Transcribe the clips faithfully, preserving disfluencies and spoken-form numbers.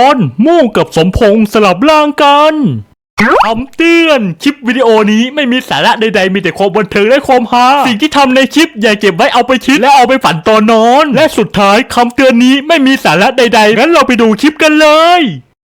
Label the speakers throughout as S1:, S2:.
S1: อนมู่กับสมพงษ์สลับร่างกันคำเตือนคลิปวิดีโอนี้ไม่มีสาระใดๆมีแต่ความบันเทิงและความฮาสิ่งที่ทำในคลิปอย่าเก็บไว้เอาไปคิดและเอาไปฝันตอนนอนและสุดท้ายคำเตือนนี้ไม่มีสาระใดๆงั้นเราไปดูคลิปกันเลย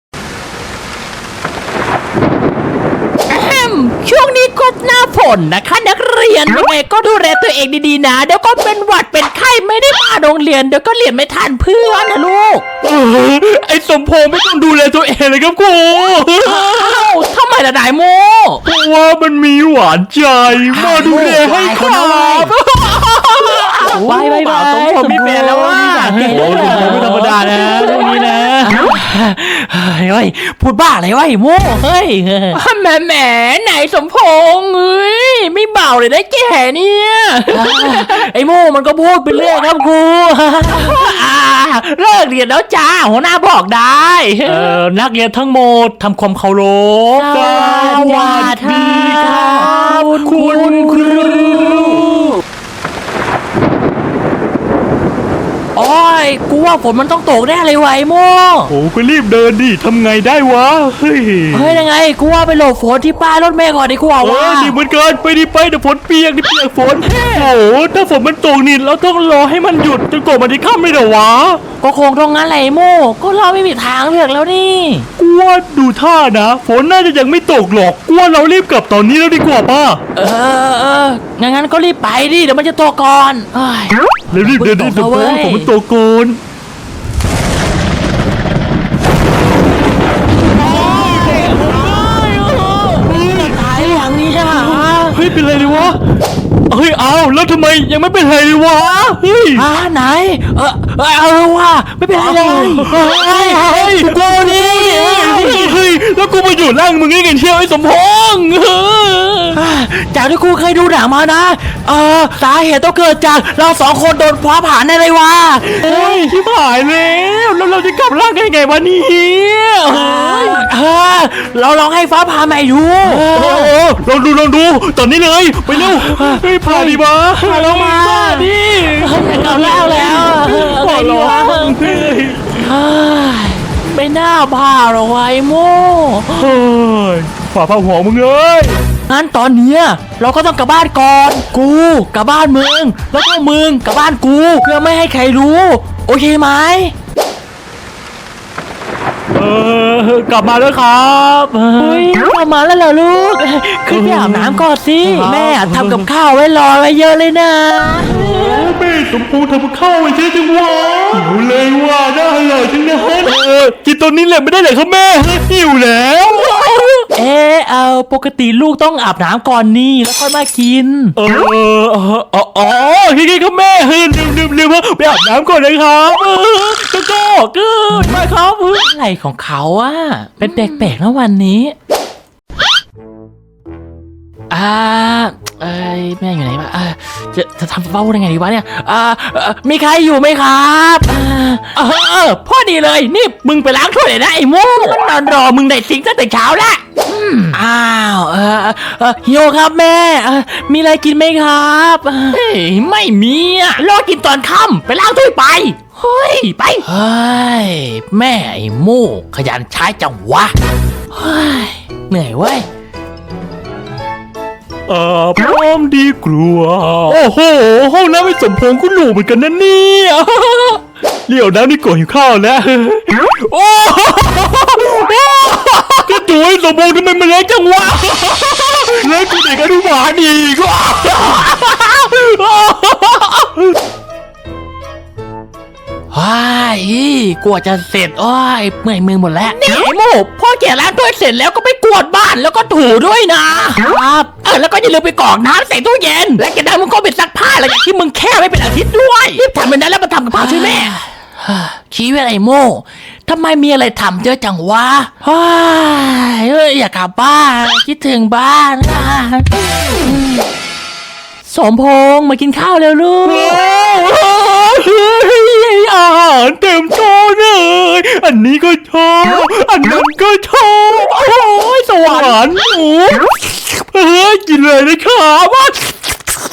S2: ช่วงนี้ก็หน้าฝนนะคะนักเรียนยังไงก็ดูแลตัวเองดีๆนะเดี๋ยวก็เป็นหวัดเป็นไข้ไม่ได้มาโรงเรียนเดี๋ยวก็เรียนไม่ทันเพื่อนนะลูก
S1: เออไอ้สมพงษ์ไม่ต้องดูแลตัวเองเลยครับครู
S2: อ้าวทำไมล่ะนายโม
S1: เพราะว่ามันมีหวานใจมาดูแลให้ครับ
S2: ไปไปไปสมพงษ์มีแฟนแล้วว่ะ
S1: โอ้สมพงษ์ไม่ธรรมดานะเรื่องนี้นะ
S2: เฮ้ยพูดบ้าอะไรวะไอ้โมเฮ้ยแหมแหมไหนสมพงษ์เฮ้ยไม่เบาเลยนะแกเนี่ยไอ้โมมันก็พูดไปเรื่อยครับครูเลิกเรียนแล้วจ้าหัวหน้าบอกได้
S1: เออนักเรียนทั้งหมดทำความเคารพ
S2: สวัสดีครับคุณครูโอ้ยกูว่าฝนมันต้องตกแน่เลยไวโม่
S1: โอ้ก็รีบเดินดิทำไงได้วะเฮ้ย
S2: เฮ้ยยังไงกูว่าไปหลบฝนที่ป้ายรถเมล์ก่อนดีกว่าวะ
S1: ดีเหมือนกันไปดิไปเดี๋ยวฝนเปียกดิเปียกฝนโอ้ถ้าฝนมันตกนี่เราต้องรอให้มันหยุดจนกว่ามันจะข้ามไม่ได้วะ
S2: ก็คงตรงนั้นแหละโม่ก็เราไม่มีทางเลือกแล้วนี่
S1: กูว่าดูท่านะฝนน่าจะยังไม่ตกหรอกกูว่าเรารีบกลับตอนนี้แล้วดีกว่าป่ะ
S2: เออเอองั้นก็รีบไปดิเดี๋ยวมันจะตกก่อน
S1: แล้วรีบเดินดิฝนฝนมันตกก่อนเฮ้ยเป็นไรเลยวะเฮ้ยเอาแล้วทำไมยังไม่เป็นไรเลยวะเฮ้ย
S2: อ่าไหนเออเออว่าไม่เป็นไรเลย
S1: เฮ้ยเฮ้ยกูนี่เฮ้ยแล้วกูมาอยู่ล่างมึงนี่กันเที่ยวไอ้สมพงษ์
S2: จากที่กูเคยดูหนังมานะเออสาเหตุต้องเกิดจากเราสองคนโดนฟ้าผ่าในไรวะ
S1: เฮ้ยชิบหายแล้วแล้วเราจะกลับร่างกันยังไงวะเนี่ย
S2: เออเราลองให้ฟ้าผ่าใหม่ดู
S1: ลองดูลองดูตอนนี้เลยไปเร็วเฮ้ยพาดีมา
S2: พาเรามา
S1: ดิ
S2: เก่าแล้วแล้ว
S1: พอร้อง
S2: ไม่น่าพาเราไว้โม่
S1: เฮ้ยฝ่าผ้าหัวมึงเอ้ย
S2: งั้นตอนเนี้ยเราก็ต้องกลับบ้านก่อนกูกลับบ้านมึงแล้วก็มึงกลับบ้านกูเพื่อไม่ให้ใครรู้โอเคไหม
S1: เออกลับมาแล้วครับ
S2: เฮ้ยกลับมาแล้วเหรอลูกขึ้นไปอาบน้ำก่อนสิแม่ทำกับข้าวไว้รอไว้เยอะเลยนะ
S1: แม่สมพงษ์ทำข้าวไว้เยอะจังวะหิวเลยว่าน่าอร่อยจังนะเออกินตอนนี้แหละไม่ได้เลยครับแม่หิวแล้ว
S2: เออเอาปกติลูกต้องอาบน้ำก่อนนี่แล้วค่อยมากิน
S1: เออเอออ๋ออ๋อคิดๆครับแม่เฮ้ยลืมลืมลืมไปอาบน้ำก่อนเลยครับก็ก็เกิดมาครับ
S2: อะไรของเขาอะเป็นแปลกๆนะวันนี้อ่าเอ้ยแม่อยู่ไหนวะจะจะทำเบ้าได้ไงดีวะเนี่ยอ่ามีใครอยู่ไหมครับเออเออพ่อดีเลยนี่มึงไปล้างถ้วยเลยนะไอ้โม่มันนอนรอมึงได้สิงตั้งแต่เช้าแล้วอ้าวเออเออหิวครับแม่มีอะไรกินไหมครับเฮ้ยไม่มีอะรอกินตอนค่ำไปล้างถ้วยไปเฮ้ยไปเฮ้ยแม่ไอ้โม่ขยันใช้จังวะเฮ้ยเหนื่อยเว้ย
S1: เออพร้อมดีกลัวโอ้โหห้องน้ำไม่สมพงษ์คุณหนูเหมือนกันนะเนี่ยเลี้ยวน้ำนี่ก่อนหิวข้าวแล้วโอ้ก็จุ๋ยสมพงษ์ทำไมมันเล็กจังวะเล็กกูเด็กอนุบาลอีก
S2: ว้ายกลัวจะเสร็จโอ้ยเมื่อยมือหมดแล้วนี่ไอ้โม่พ่อแก่ล้างถ้วยเสร็จแล้วก็ไปกวาดบ้านแล้วก็ถูด้วยนะครับเออแล้วก็อย่าลืมไปกรอกน้ำใส่ตู้เย็นและแกได้มึงก็ไปซักผ้าอะไรอย่างที่มึงแค่ไม่เป็นอาทิตย์ด้วยรีบทำไปนั้นแล้วมาทำกับข้าวช่วยแม่ชีวิตไอ้โม่ทำไมมีอะไรทำเยอะจังวะว้ายเอ้ยอยากกลับบ้านคิดถึงบ้านสมพงษ์มากินข้าวเร็วลูก
S1: อาหารเต็มโต๊ะเลยอันนี้ก็ชอบอันนั้นก็ชอบโอ้ยสวรรค์หนูเฮ้ยกินเลยนะครับ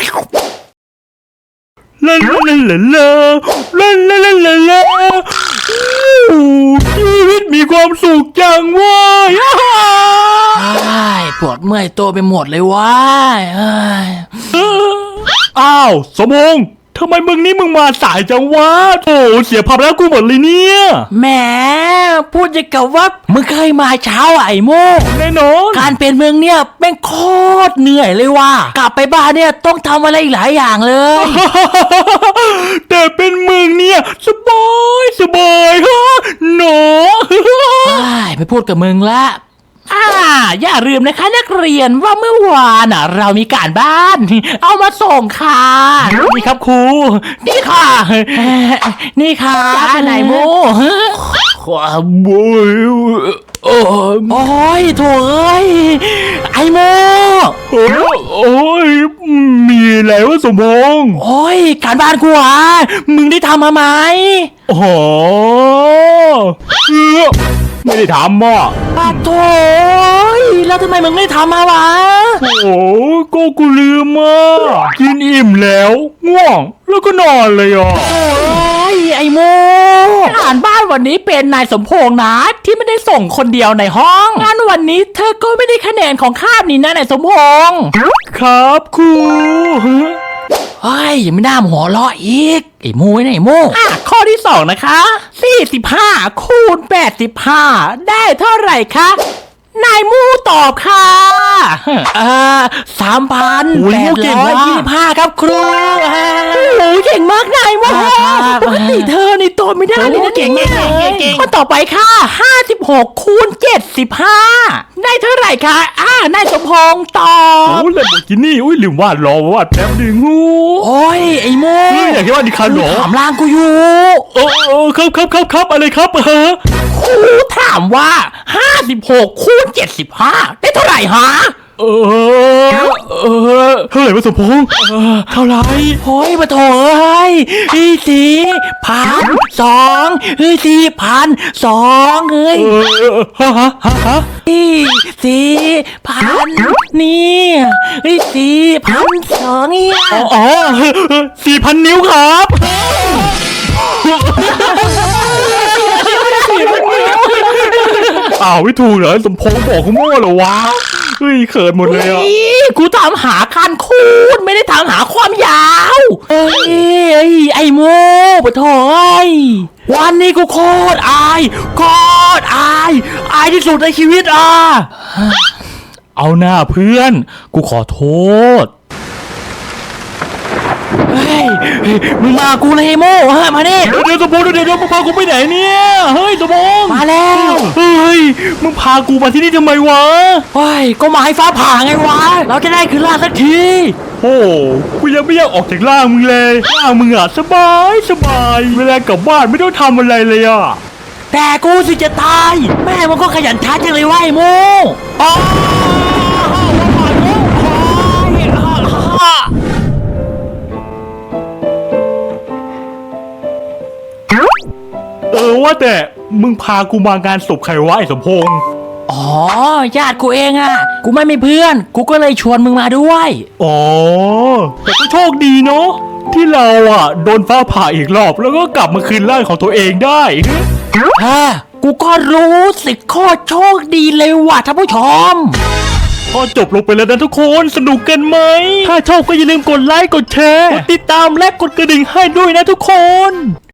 S1: ลาลาลาลาลาลาลาลาลาชีวิตมีความสุขจังเว้ย
S2: ไอ้ยปวดเมื่อยตัวไปหมดเลยว้ายเอ้ย
S1: อ้าวสมงทำไมมึงนี่มึงมาสายจังวะโถเสียภาพแล้วกูหมดเลยเนี่ย
S2: แหมพูดจะกับว่ามึงเคยมาเช้าอะไอ้โม
S1: แน่นอน
S2: การเป็นเมืองเนี่ยเป็นโคตรเหนื่อยเลยว่ะกลับไปบ้านเนี่ยต้องทำอะไรอีกหลายอย่างเลย
S1: แต่เป็นมึงเนี่ยสบายสบายฮะหนอ
S2: ไอ้ยไม่พูดกับมึงละอ่าอย่าลืมนะคะนักเรียนว่าเมื่อวานน่ะ เรามีการบ้าน เอามาส่งค่ะ
S1: นี่ครับครู
S2: นี่ค่ะ นี่ค่ะนายโม
S1: ความบยโอ้
S2: โอ้ยโถ่เอ้ยไอโม
S1: โอ้ยมีอะไรวะสมง
S2: โอ้ยการบ้านกูอ่ะมึงได้ทำมาไหม
S1: อ๋อเออไม่ได้ทำอ่ะ
S2: ปะโถยแล้วทำไมมึงไม่ทำมาวะ
S1: โอ้ก็กูลืมอ่ะกินอิ่มแล้วง่วงแล้วก็นอนเลยอ่ะ
S2: โอ้ยไอโมอ่านบ้านวันนี้เป็นนายสมพงษ์นะที่ไม่ได้ส่งคนเดียวในห้องงั้นวันนี้เธอก็ไม่ได้คะแนนของคาบนี้นะนายสมพงษ์
S1: ครับครู
S2: เฮ้ยยังไม่น่าหัวเราะอีกไอ้โมไอ้ไหนโมอ่ะข้อที่สองนะคะสี่สิบห้าคูณแปดสิบห้าได้เท่าไหร่คะนายมูตอบค่ะเอ่อสามพันแปดร้อยยี่สิบห้าครับครูโอ้เก่งมากนายโมปกติเธอในตัวไม่ได้เลยนะเก่งเก่งเก่งข้อต่อไปค่ะห้าสิบหกคูณเจ็ดสิบห้าได้เท่าไหร่คะอ่านายสมพงษ์ตอ
S1: โอ้
S2: บ
S1: เลยบอกกินนี่อุ้ยลืมวาดรอวาดแป๊บหนึงฮู้
S2: โอ้ยไอ้โม
S1: เฮ้ยอยากให้วาดดิคันเหรอ
S2: ถามล่างกูอยู่
S1: เออเออครับครับครับครับอะไรครับเออ
S2: ครูถามว่าห้าสิบหกคูณเจ็ดสิบห้าได้เท่าไหร่ฮะ
S1: เออเออเท่าไหร่วะสมพงษ์เออเท่าไหร่
S2: โอ้ยมาโถเอ้ยอีสี่พันสองเฮ้ยสี่พันสองเฮ้ย
S1: เออฮะฮะฮะฮะ
S2: อีสี่พันนี่เฮ้ยสี่พันสองเนี่ย
S1: อ๋ออ๋อสี่พันนิ้วครับ อ้าวไม่ถูกเหรอสมพงษ์บอกกูมั่วเหรอวะเฮ้ยเขินหมดเลยอ่ะ
S2: เฮ้ยกูถามหาการคูณไม่ได้ถามหาความยาวเอ้ยเอ้ยไอ้โม่ปะโถเอ้ยวันนี้กูโคตรอายโคตรอายอายที่สุดในชีวิตอ่ะ
S1: เอาหน้าเพื่อน กูขอโทษ
S2: เฮ้ยมึงมากูเลยไอ้โม่ฮะมาดิ
S1: เดี๋ยวเดี๋ยวสมพงษ์เดี๋ยวเดี๋ยวมึงพากูไปไหนเนี่ยเฮ้ยสมพงษ์
S2: มาแล้ว
S1: เฮ้ยมึงพากูมาที่นี่ทำไมวะ
S2: เฮ้ยก็มาให้ฟ้าผ่าไงวะเราจะได้คืนล่างสักที
S1: โอ้กูยังไม่อยากออกจากร่างมึงเลยร่างมึงอะสบายสบายเวลากลับบ้านไม่ต้องทำอะไรเลยอะ
S2: แต่กูสิจะตายแม่มันก็ขยันช้าจังเลยว่ะไอ้โม่อ๋อ
S1: เออว่าแต่มึงพากูมางานศพใครวะไอ้สมพงษ์
S2: อ๋อญาติกูเองอ่ะกูไม่มีเพื่อนกูก็เลยชวนมึงมาด้วย
S1: อ๋อแต่ก็โชคดีเนาะที่เราอะโดนฟ้าผ่าอีกรอบแล้วก็กลับมาคืนร่างของตัวเองได้
S2: ฮะกูก็รู้สึกโคตรโชคดีเลยว่ะท่านผู้ชม
S1: ก็จบลงไปแล้วนะทุกคนสนุกกันไหม ถ้าชอบก็อย่าลืมกดไลค์กดแชร์กดติดตามและกดกระดิ่งให้ด้วยนะทุกคน